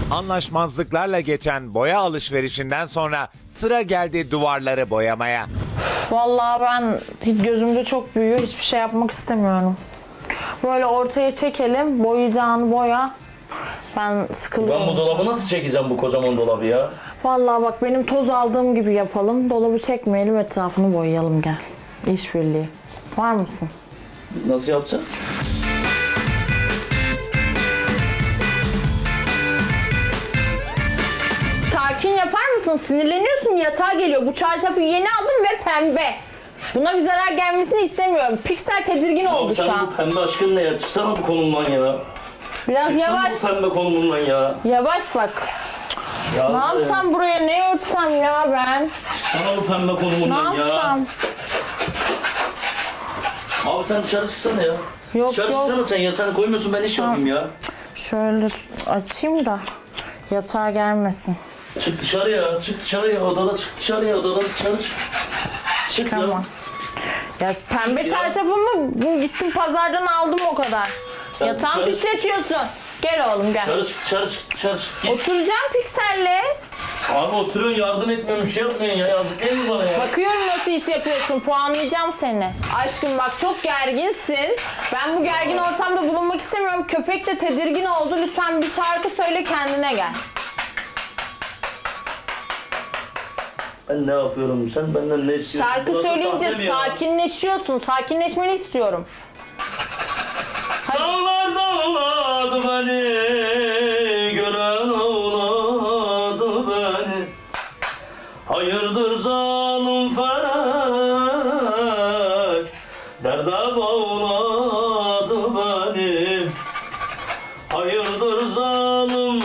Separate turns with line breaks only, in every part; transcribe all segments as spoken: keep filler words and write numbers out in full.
Anlaşmazlıklarla geçen boya alışverişinden sonra sıra geldi duvarları boyamaya.
Vallahi ben hiç gözümde çok büyüyor. Hiçbir şey yapmak istemiyorum. Böyle ortaya çekelim. Boyayacağını boya. Ben sıkılıyorum.
Ben bu dolabı nasıl çekeceğim, bu kocaman dolabı ya?
Vallahi bak, benim toz aldığım gibi yapalım. Dolabı çekmeyelim, etrafını boyayalım, gel. İşbirliği. Var mısın?
Nasıl yapacağız?
Sakin yapar mısın? Sinirleniyorsun, yatağa geliyor. Bu çarşafı yeni aldım ve pembe. Buna bir zarar gelmesini istemiyorum. Piksel tedirgin oldu
Abi
şu
sen
an.
bu pembe aşkın ne ya? Çıksana bu konumdan ya.
Biraz
Çıksana
yavaş.
bu pembe konumundan ya.
Yavaş bak.
ya
Ne yapsam buraya, ne örtsem ya ben?
Çıksana bu pembe
Ne
konumundan ya.
yapsam?
Abi sen dışarı çıksana ya.
Yok
Dışarı
yok.
çıksana sen ya. Sen koymuyorsun, ben iş
Şu an-
yapayım ya.
Şöyle açayım da yatağa gelmesin.
Çık dışarıya, çık dışarıya. Odada çık dışarıya, odada dışarı çık. Çık
Tamam.
ya.
Ya pembe çarşafımı gittim pazardan aldım o kadar.
Sen
Yatağımı
dışarı-
pisletiyorsun. Gel oğlum gel.
Dışarı çık, dışarı çık, dışarı çık. Git.
Oturacağım pikselle.
Abi oturuyorsun, yardım etmiyorsun, bir şey yapmıyorsun ya. Yazık değil mi bana ya?
Bakıyorum nasıl iş yapıyorsun. Puanlayacağım seni. Aşkım bak, çok gerginsin. Ben bu gergin ortamda bulunmak istemiyorum. Köpek de tedirgin oldu. Lütfen bir şarkı söyle, kendine gel.
Ben ne yapıyorum? Sen benden ne istiyorsun?
Şarkı
Burası
söyleyince
sahne mi ya?
sakinleşiyorsun. Sakinleşmeni istiyorum.
Dağlar dağladı beni, gören ağladı beni. Hayırdır zalim felek, derde bağladı beni. Hayırdır zalim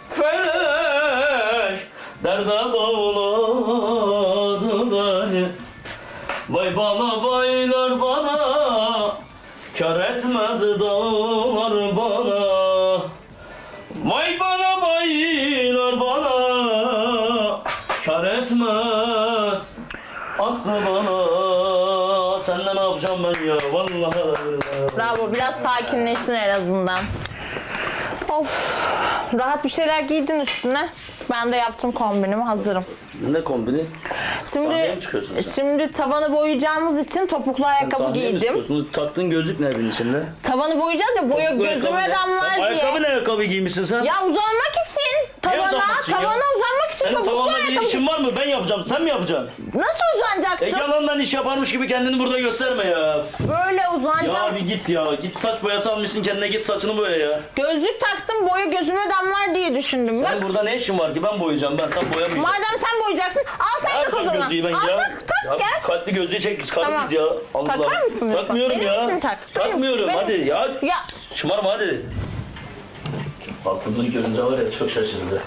felek, derde bağladı beni. Vay bana baylar bana, kar etmez dağlar bana. Vay bana baylar bana, kar etmez aslı bana. Seninle ne yapacağım ben ya? Vallahi.
Bravo, biraz sakinleştin en azından. Of, rahat bir şeyler giydin üstüne. Ben de yaptım kombinimi, hazırım.
Ne kombini? Sahneye
Şimdi
mi çıkıyorsun sen?
şimdi tavanı boyayacağımız için topuklu ayakkabı
Sahneye mi
giydim.
çıkıyorsun? Taktığın gözlük ne evin içinde?
Tavanı boyayacağız ya, boya
Topuklu
gözüme
ayakkabı ne?
damlar
Sen
diye.
Ayakkabı ne ayakkabı giymişsin sen?
Ya uzanmak için tavana,
uzanmak için ya?
tavana uzanmak için
Senin
topuklu
tavanla bir
ayakkabı.
işin var mı? Ben yapacağım. Sen mi yapacaksın?
Nasıl uzanacaktım?
E yalandan iş yaparmış gibi kendini burada gösterme ya.
Böyle
Ya
uzanacağım.
bir git ya. Git saç boyası almışsın kendine, git saçını boya ya.
Gözlük taktım, boya gözüme damlar diye düşündüm. Bak,
Senin burada ne işin var ki? Ben boyayacağım. Ben sen boyamayacaksın.
madem sen boyayacaksın, al sen tak o zaman.
gözlüğü ben
Al
ya.
tak tak
Ya
gel.
kalpli gözlüğü çek, biz karımız
Tamam.
ya. Allah.
Takar mısın lütfen?
Takmıyorum
Benim
ya.
için tak. Benim-
Takmıyorum
benim-
hadi ya.
Ya
Şımarma hadi. Aslında görünce var ya, çok şaşırdı.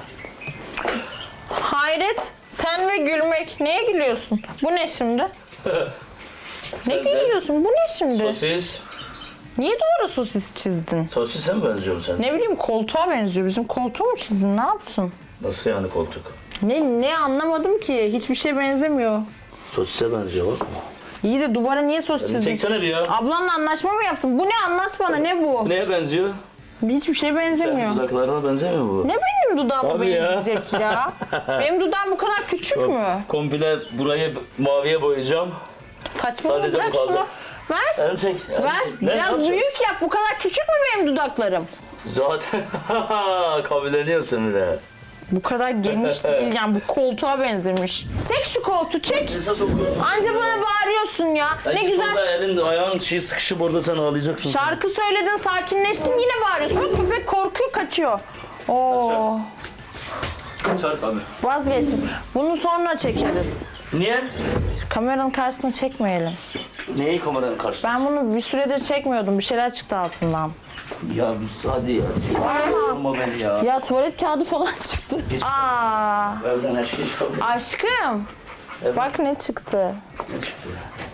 hayret, sen ve gülmek. Neye gülüyorsun? Bu ne şimdi? Ne
Sen-
gülüyorsun? Bu ne şimdi?
Sosis.
Niye duvara sosis çizdin?
Sosise mi benziyorsun sen?
Ne bileyim, koltuğa benziyor. Bizim koltuğu mu çizdin? Ne yaptın?
Nasıl yani koltuk?
Ne ne anlamadım ki. Hiçbir şey benzemiyor.
Sosise benziyor bak.
İyi de duvara niye sosis çizdin?
Çeksene bir ya.
Ablanla anlaşma mı yaptın? Bu ne, anlat bana, ne bu?
Neye benziyor?
Hiçbir şey benzemiyor.
Sen dudaklarına benzemiyor mu bu?
Ne benim dudağıma
Tabii ya.
benzeyecek ya? Benim dudağım bu kadar küçük mü?
Komple burayı maviye boyayacağım.
Saçmalama,
Sadece bu
bırak
kaldı.
şunu. Ver.
En çek. en
Ver.
çek. Ne
Biraz
yapacaksın?
büyük yap. Bu kadar küçük mü benim dudaklarım?
Zaten kabulleniyorsun bir de.
Bu kadar geniş değil yani, bu koltuğa benzemiş. Çek şu koltuğu, çek.
Esas okuyorsun.
Anca bana bağırıyorsun ya. Ne güzel.
Orada elin ayağın çiğ sıkışıp orada sen ağlayacaksın.
Şarkı söyledin, sakinleştin, yine bağırıyorsun. Bak, köpek korkuyor, kaçıyor. Oo,
Kaçar tabii.
vazgeçtim. Bunu sonra çekeriz.
Niye?
Kameranın karşısına çekmeyelim.
Neyi kameranın karşısında?
Ben bunu bir süredir çekmiyordum. Bir şeyler çıktı altından.
Ya biz hadi ya. Yorma beni ya.
Ya tuvalet kağıdı falan çıktı. Aa,
Evden her şey çıkabilir.
aşkım.
Evet.
Bak ne çıktı.
Ne çıktı?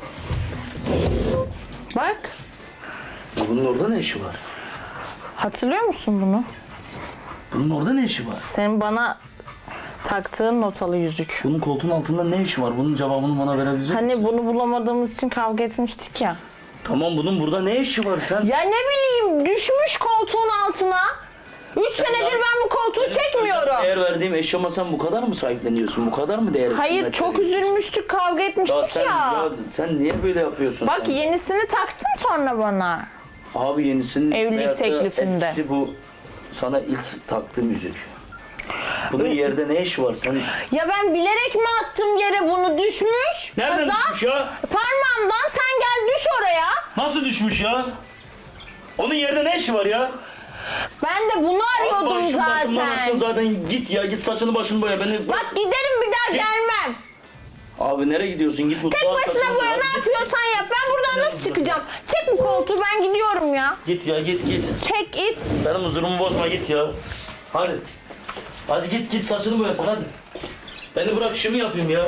Bak.
Bunun orada ne işi var?
Hatırlıyor musun bunu?
Bunun orada ne işi var?
Senin bana taktığın notalı yüzük.
Bunun koltuğun altında ne işi var? Bunun cevabını bana verebilecek misin?
Hani bunu bulamadığımız için kavga etmiştik ya.
Tamam, bunun burada ne işi var sen?
Ya ne bileyim, düşmüş koltuğun altına. Üç senedir ben bu koltuğu çekmiyorum.
Değer verdiğim eşyama sen bu kadar mı sahipleniyorsun? Bu kadar mı değer
Hayır
kıymet
çok
veriyorsun?
üzülmüştük, kavga
Ya
etmiştik
sen,
ya.
ya sen niye böyle yapıyorsun?
Bak
sen?
yenisini taktın sonra bana.
Abi yenisinin
Evlilik
veyahut da
teklifinde.
eskisi bu sana ilk taktığım yüzük. Bunun yerde ne işi var? Sen
Ya ben bilerek mi attım yere, bunu düşmüş?
nereden
Kaza,
düşmüş ya?
Parmağımdan, sen gel düş oraya.
Nasıl düşmüş ya? Onun yerde ne işi var ya?
Ben de bunu arıyordum
Başım başımdan aşkın
zaten.
zaten git ya git saçını başını boya beni.
Bak giderim, bir daha gelmem.
Abi nereye gidiyorsun? Git mutfağa.
Tek başına
saçını
boya,
boya.
ne yapıyorsan yap. Ben buradan nasıl çıkacağım? Çek bu koltuğu, ben gidiyorum ya.
Git ya git git.
Çek it.
Benim huzurumu bozma git ya. Hadi. Hadi git git saçını boyasın hadi. Beni bırak işimi yapayım ya.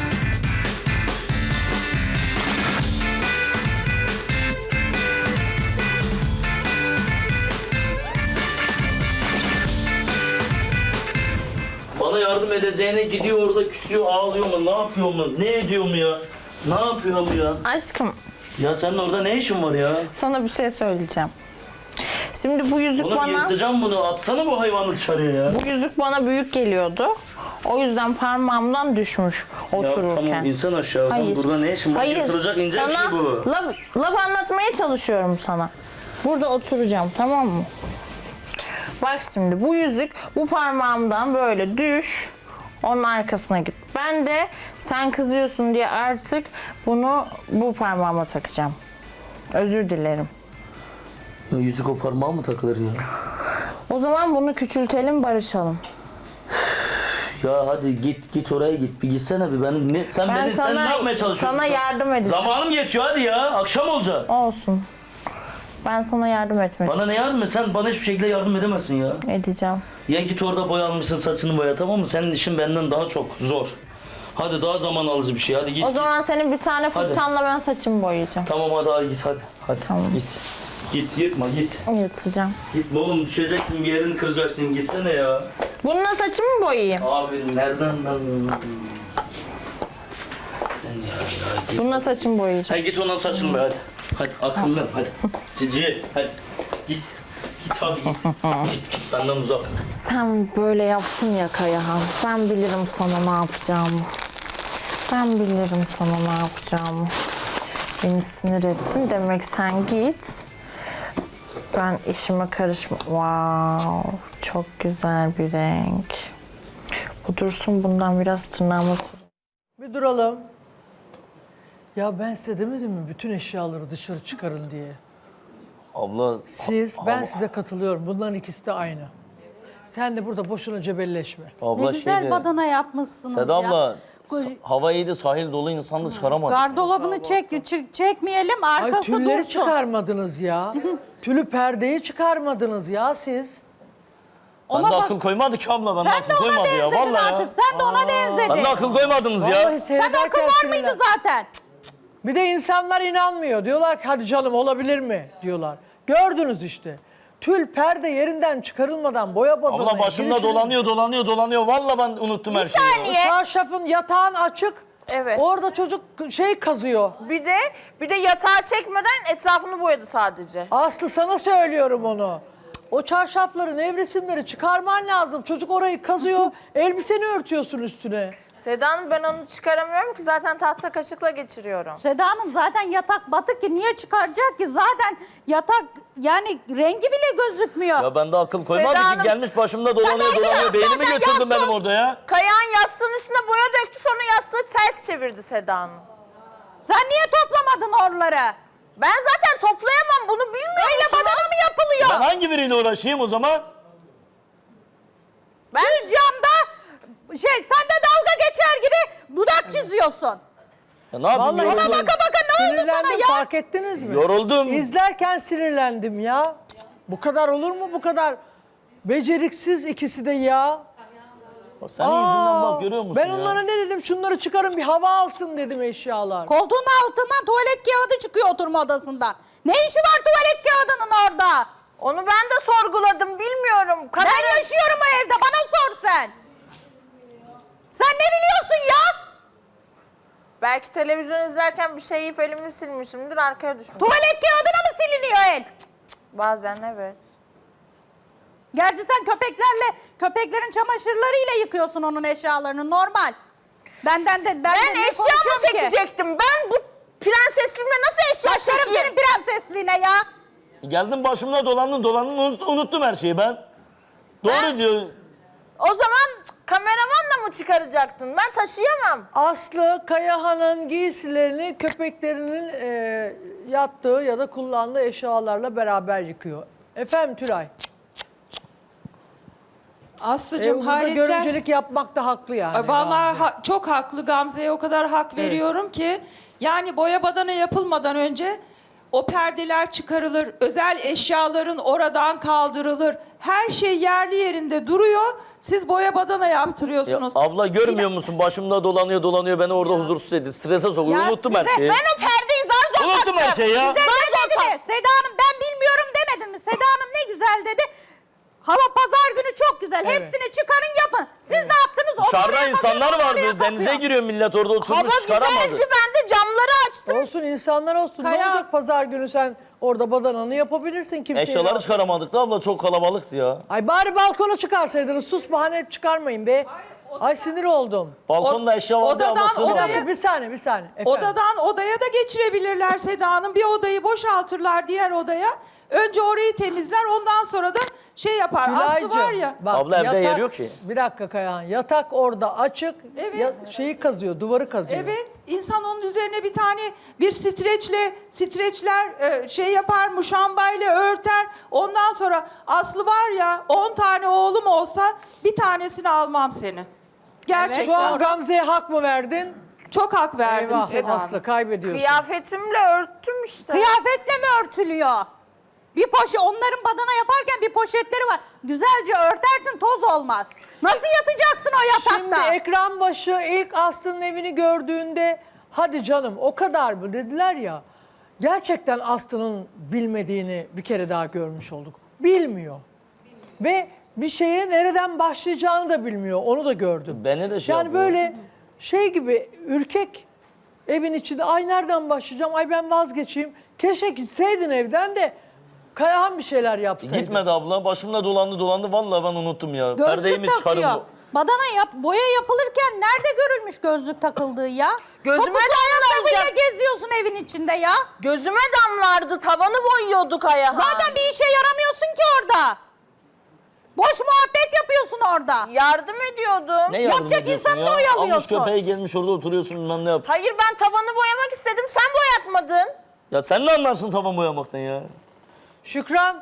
Bana yardım edeceğine gidiyor orada küsüyor ağlıyor mu ne yapıyor mu ne ediyor mu ya? Ne yapıyor mu ya?
Aşkım,
Ya senin orada ne işin var ya?
sana bir şey söyleyeceğim. Şimdi bu yüzük
Oğlum
bana...
yırtacağım bunu atsana bu hayvanı dışarıya ya.
Bu yüzük bana büyük geliyordu. O yüzden parmağımdan düşmüş
Ya
otururken.
tamam insan aşağı.
Hayır.
Burada ne işin var?
Hayır.
Yırtılacak ince bir
Sana
şey bu.
Laf, laf anlatmaya çalışıyorum sana. Burada oturacağım, tamam mı? Bak şimdi bu yüzük bu parmağımdan böyle düş. Onun arkasına git. Ben de sen kızıyorsun diye artık bunu bu parmağıma takacağım. Özür dilerim.
Ya yüzük o parmağa mı takılır ya?
O zaman bunu küçültelim, barışalım.
Ya hadi git git oraya git. Bir gitsene bir benim. Ne, sen
Ben
beni sen ne
sana,
yapmaya çalışıyorsun?
sana yardım edeceğim.
Zamanım geçiyor hadi ya. Akşam olacak.
Olsun. Ben sana yardım etmek
Bana ne yardım et? Sen bana hiçbir şekilde yardım edemezsin ya.
edeceğim.
Ya git orada boya almışsın saçını boya tamam mı? Senin işin benden daha çok zor. Hadi daha zaman alıcı bir şey. Hadi git.
O zaman senin bir tane fırçanla ben saçımı boyayacağım.
Tamam hadi, hadi git hadi. Hadi
Tamam.
git. Git yırtma git.
Yatacağım.
Gitme oğlum düşeceksin bir yerini kıracaksın gitsene ya.
Bununla saçımı mı boyayayım?
Abi nereden ben...
Bununla saçımı boyayacağım.
Hadi git ondan saçını boya hadi. Hadi akıllı hadi. Cici hadi. Git. Git abi git. Git git benden uzak.
Sen böyle yaptın ya Kayahan. Ben bilirim sana ne yapacağımı. Ben bilirim sana ne yapacağımı. Beni sinir ettin. Demek sen git. Ben işime karışma. Wow, çok güzel bir renk. Bu dursun, bundan biraz tırnağıma sür.
Bir duralım. Ya ben size demedim mi bütün eşyaları dışarı çıkarın diye.
Abla
Siz, ben size katılıyorum. Bunların ikisi de aynı. Sen de burada boşuna cebelleşme.
abla
Ne güzel
şeydi.
badana yapmışsınız
Seda
ya.
abla
Koy-
hava iyiydi sahil dolu insan da çıkaramadı.
Gardolabını çek, çek, çekmeyelim
Ay
arkası
tülleri
dursun.
çıkarmadınız ya. Tülü perdeyi çıkarmadınız ya siz.
Ben
Ona
de
bak-
akıl koymadı ki abla. Ben de
Sen de
akıl
ona
koymadı ya.
benzedin
Vallahi
artık.
ya.
Sen de ona benzedin.
Ben de akıl koymadınız ya.
Vallahi
Sen akıl
seyrederken
var mıydı
sinirlen-
zaten?
Bir de insanlar inanmıyor. Diyorlar ki hadi canım olabilir mi diyorlar. Gördünüz işte. Tül perde yerinden çıkarılmadan boya badana.
Abla başımda dolanıyor dolanıyor dolanıyor. Vallahi ben unuttum her şeyi.
O çarşafın yatağın açık.
Evet.
Orada çocuk şey kazıyor.
Bir de bir de yatağı çekmeden etrafını boyadı sadece.
Aslı sana söylüyorum onu. O çarşafları, nevresimleri çıkarman lazım. Çocuk orayı kazıyor, elbiseni örtüyorsun üstüne.
Seda Hanım, ben onu çıkaramıyorum ki, zaten tahta kaşıkla geçiriyorum.
Seda Hanım zaten yatak batık ki niye çıkaracak ki? Zaten yatak yani rengi bile gözükmüyor.
Ya ben de akıl koymadı
Seda
ki
Hanım-
gelmiş başımda dolanıyor
Sen
dolanıyor.
zaten
Beynimi götürdün
yansın.
benim orada ya.
Kayan yastığın üstüne boya döktü, sonra yastığı ters çevirdi Seda Hanım.
Sen niye toplamadın oraları?
Ben zaten toplayamam, bunu bilmiyor
Öyle
musunuz?
badana mı yapılıyor?
Ben hangi biriyle uğraşayım o zaman?
Ben Düz camda şey sen de dalga geçer gibi dudak çiziyorsun.
Ya ne yapayım?
Vallahi
yoruldum.
Ona baka baka ne oldu sana
Sinirlendim,
ya?
fark ettiniz mi?
Yoruldum.
İzlerken sinirlendim ya. Bu kadar olur mu bu kadar? Beceriksiz ikisi de ya.
Senin yüzünden bak görüyor musun
Ben
ya?
onlara ne dedim? Şunları çıkarın bir hava alsın dedim eşyalar.
Koltuğun altından tuvalet kağıdı çıkıyor oturma odasından. Ne işi var tuvalet kağıdının orada?
Onu ben de sorguladım, bilmiyorum.
Ben
Kamera-
yaşıyorum o evde, bana sor sen. Sen ne biliyorsun ya?
Belki televizyon izlerken bir şey yiyip elimi silmişimdir, arkaya düşmüş.
Tuvalet kağıdına mı siliniyor el?
Bazen evet.
Gerçi sen köpeklerle, köpeklerin çamaşırlarıyla yıkıyorsun onun eşyalarını normal. Benden de ben,
Ben
de ne
eşya mı
konuşuyorum ki?
çekecektim? Ben bu prensesliğimle nasıl eşya
Başlarım
çekeyim?
senin prensesliğine ya.
Geldim başımda dolandın dolandın unut- unuttum her şeyi ben. Doğru
Ben-
diyor.
O zaman kameramanla mı çıkaracaktın? Ben taşıyamam.
Aslı Kayahan'ın giysilerini köpeklerinin e, yattığı ya da kullandığı eşyalarla beraber yıkıyor. Efendim Tülay. E,
Aslıcığım
burada
hayretten...
görümcelik yapmak da haklı yani.
Ay, Vallahi
Gamze.
ha- çok haklı Gamze'ye o kadar hak veriyorum ki. Yani boya badana yapılmadan önce o perdeler çıkarılır. Özel eşyaların oradan kaldırılır. Her şey yerli yerinde duruyor. Siz boya badana
Ya
yaptırıyorsunuz.
abla görmüyor musun? Başımda dolanıyor dolanıyor beni orada huzursuz etti. Strese sokuyor.
Ya
Unuttum her
size-
şeyi.
Ben o perdeyi zar zor
Unuttum her şeyi ya.
Size demedi mi? Seda Hanım ben bilmiyorum demedin mi? Seda Hanım ne güzel dedi. Hava pazar günü çok güzel.
Evet.
Hepsini çıkarın yapın. Siz ne yaptınız? Onu
Dışarıda
oraya bakıyor,
insanlar
onu oraya
vardı. Denize
bakıyor.
giriyor millet orada
Hava
oturmuş çıkaramadı.
güzeldi, ben de camları açtım.
Olsun insanlar olsun. Ne
Kaya-
olacak pazar günü sen orada badananı yapabilirsin kimseye.
Eşyaları
rahatsız-
çıkaramadık da abla çok kalabalıktı ya.
Ay bari balkona çıkarsaydınız. Sus bahane çıkarmayın be. Ay sinir oldum.
Balkonda eşya vardı
odadan
ama sığmadı.
Bir
odaya-
dakika bir saniye bir saniye. Efendim.
Odadan odaya da geçirebilirler Seda Hanım. Bir odayı boşaltırlar diğer odaya. Önce orayı temizler ondan sonra da şey yapar. Aslı
Tülay'cığım,
var ya.
bak,
Abla evde
yatak-
yer yok ki.
Bir dakika Kayahan. Yatak orada açık.
Evet.
ya- şeyi kazıyor, duvarı kazıyor.
Evet, insan onun üzerine bir tane bir streçle, streçler e, şey yapar, muşambayla örter. Ondan sonra Aslı var ya, on tane oğlum olsa bir tanesini almam seni. Gerçekten.
Şu an Gamze'ye hak mı verdin?
Çok hak verdim
Eyvah
Seda Hanım.
Aslı kaybediyorsun.
Kıyafetimle örttüm işte.
Kıyafetle mi örtülüyor? Bir poşet, onların badana yaparken bir poşetleri var. Güzelce örtersin toz olmaz. Nasıl yatacaksın o
Şimdi
yatakta?
ekran başı ilk Aslı'nın evini gördüğünde hadi canım o kadar mı dediler ya. Gerçekten Aslı'nın bilmediğini bir kere daha görmüş olduk. Bilmiyor. Ve bir şeye nereden başlayacağını da bilmiyor. Onu da gördüm.
Beni de şey
Yani
yapıyor.
böyle şey gibi ürkek evin içinde ay nereden başlayacağım ay ben vazgeçeyim. Keşke gitseydin evden de Kayahan bir şeyler yapsaydı.
Gitmedi abla. Başımda dolandı dolandı. Vallahi ben unuttum ya. Perdeyi mi
Gözlük
çıkarım?
takıyor. Badana yap, boya yapılırken nerede görülmüş gözlük takıldığı ya?
Gözüme
Topuklu
damlayacak.
ayakkabıyla geziyorsun evin içinde ya.
Gözüme damlardı, tavanı boyuyorduk Kayahan.
Zaten bir işe yaramıyorsun ki orada. Boş muhabbet yapıyorsun orada.
Yardım ediyordum.
Ne yardım
Yapacak
ediyorsun
insanı
ya?
da oyalıyorsun.
Almış köpeği gelmiş orada oturuyorsun bilmem ne yap.
Hayır ben tavanı boyamak istedim, sen boyatmadın.
Ya sen ne anlarsın tavan boyamaktan ya?
Şükran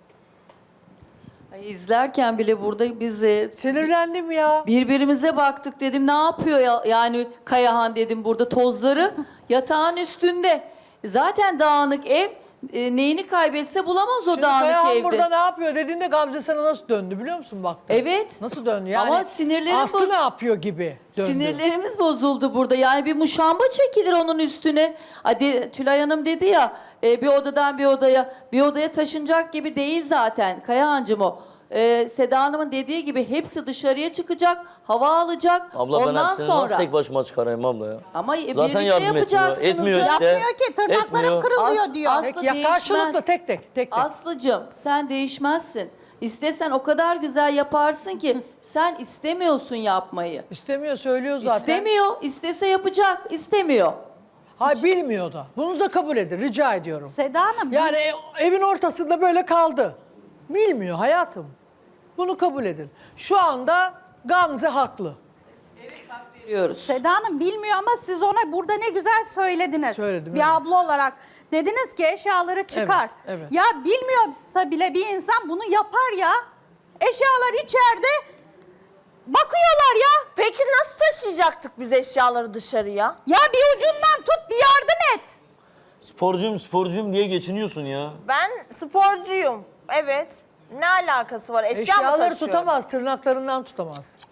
Ay, İzlerken bile burada biz e,
sinirlendim ya.
birbirimize baktık dedim ne yapıyor ya, yani Kayahan dedim burada tozları yatağın üstünde. Zaten dağınık ev e, neyini kaybetse bulamaz o
Şimdi
dağınık
Kayahan
evde.
burada ne yapıyor dediğinde Gamze sana nasıl döndü biliyor musun bak?
Evet.
Nasıl döndü yani?
Ama sinirlerim
Aslı
boz-
ne yapıyor gibi döndü.
Sinirlerimiz bozuldu burada. Yani bir muşamba çekilir onun üstüne. Hadi Tülay Hanım dedi ya e, bir odadan bir odaya bir odaya taşınacak gibi değil zaten Kayahancığım o. E, Seda Hanım'ın dediği gibi hepsi dışarıya çıkacak, hava alacak.
Abla ben
Ondan
hepsini
sonra
nasıl tek başıma çıkarayım abla ya?
ama
Zaten
birlikte
yardım etmiyor.
yapacaksınız.
Etmiyor
canım.
işte.
Yapmıyor ki tırnaklarım
Etmiyor.
kırılıyor
As-
diyor.
as-
Peki ya
değişmez.
karşılıklı tek tek tek tek.
Aslıcığım sen değişmezsin. İstesen o kadar güzel yaparsın ki sen istemiyorsun yapmayı.
İstemiyor söylüyor zaten.
İstemiyor, istese yapacak, istemiyor.
Ha bilmiyor da. Bunu da kabul edin rica ediyorum.
Seda Hanım
Yani e- evin ortasında böyle kaldı. Bilmiyor hayatım. Bunu kabul edin. Şu anda Gamze haklı.
Veriyoruz.
Seda Hanım bilmiyor ama siz ona burada ne güzel söylediniz.
Söyledim,
Bir
evet.
abla olarak. Dediniz ki eşyaları çıkar.
Evet, evet.
Ya bilmiyorsa bile bir insan bunu yapar ya. Eşyalar içeride bakıyorlar ya.
Peki nasıl taşıyacaktık biz eşyaları dışarıya?
Ya bir ucundan tut bir yardım et.
Sporcuyum sporcuyum diye geçiniyorsun ya.
Ben sporcuyum. Evet. Ne alakası var? Eşya mı
Eşyaları
taşıyorum?
tutamaz, tırnaklarından tutamaz.